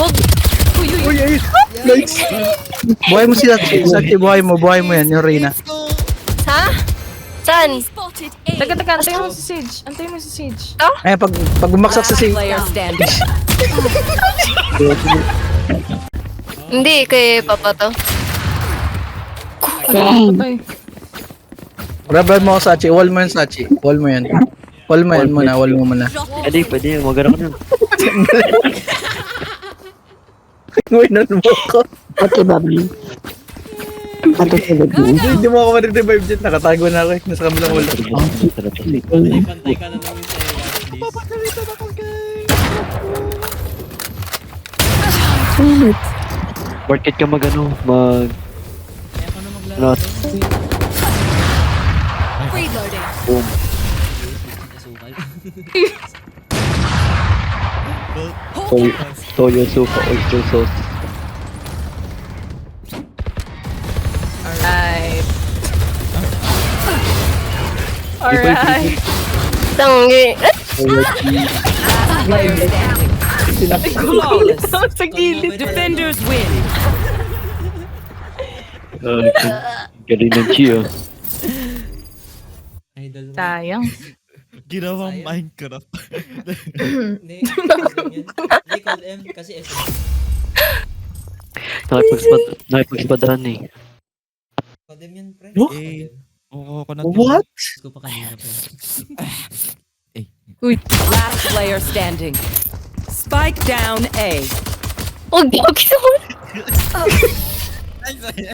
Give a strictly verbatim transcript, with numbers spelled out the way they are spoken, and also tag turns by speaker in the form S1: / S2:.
S1: Bog! Uy, uy,
S2: Uy, ay! Nice! Buhay mo si Sachi. Sachi, buhay mo. Buhay mo yan, yung Reyna.
S1: Ha? Saan?
S3: Taga, taga, antayin mo si Sage. Antayin mo si Sage.
S2: Ay, pag, pag bumaksak sa si...
S4: Player standing.
S1: Hindi, kay Papa to.
S3: Patay.
S2: Grabban mo ako, Sachi. Wall mo yan, Sachi. Wall mo yan. Wall mo yan muna. Wall mo muna.
S5: Pwede, pwede. Magana ko nun.
S2: Winan mo ako.
S6: Pati babi. Pati tulog mo.
S2: Hindi, hindi mo ako ma-revive dyan. Nakatago na ako eh. Nasa kabilang wall.
S7: Pantay ka na lang sa please.
S5: Market ka magano, mag...
S7: Kaya ka na maglaro.
S5: Not. Boom. Toyo, toyo soup, oyster sauce.
S3: Alright. Alright.
S1: Tanggi.
S4: Player standing. Flawless.
S3: Sa gilid.
S4: Defenders win.
S5: Uh, galing ng Chia.
S7: Idol mo.
S3: Sayang.
S8: Ginawang Minecraft.
S7: Hindi, hindi Code M kasi S M.
S5: Nakipagspad, nakipagspadahan eh.
S7: Code M yan, pre.
S2: Oh?
S8: Eh, oo, ko na
S2: What?
S7: Gusto ko pa kanina, pre.
S8: Eh,
S4: Last player standing. Spike down A.
S1: Huwag, huwag.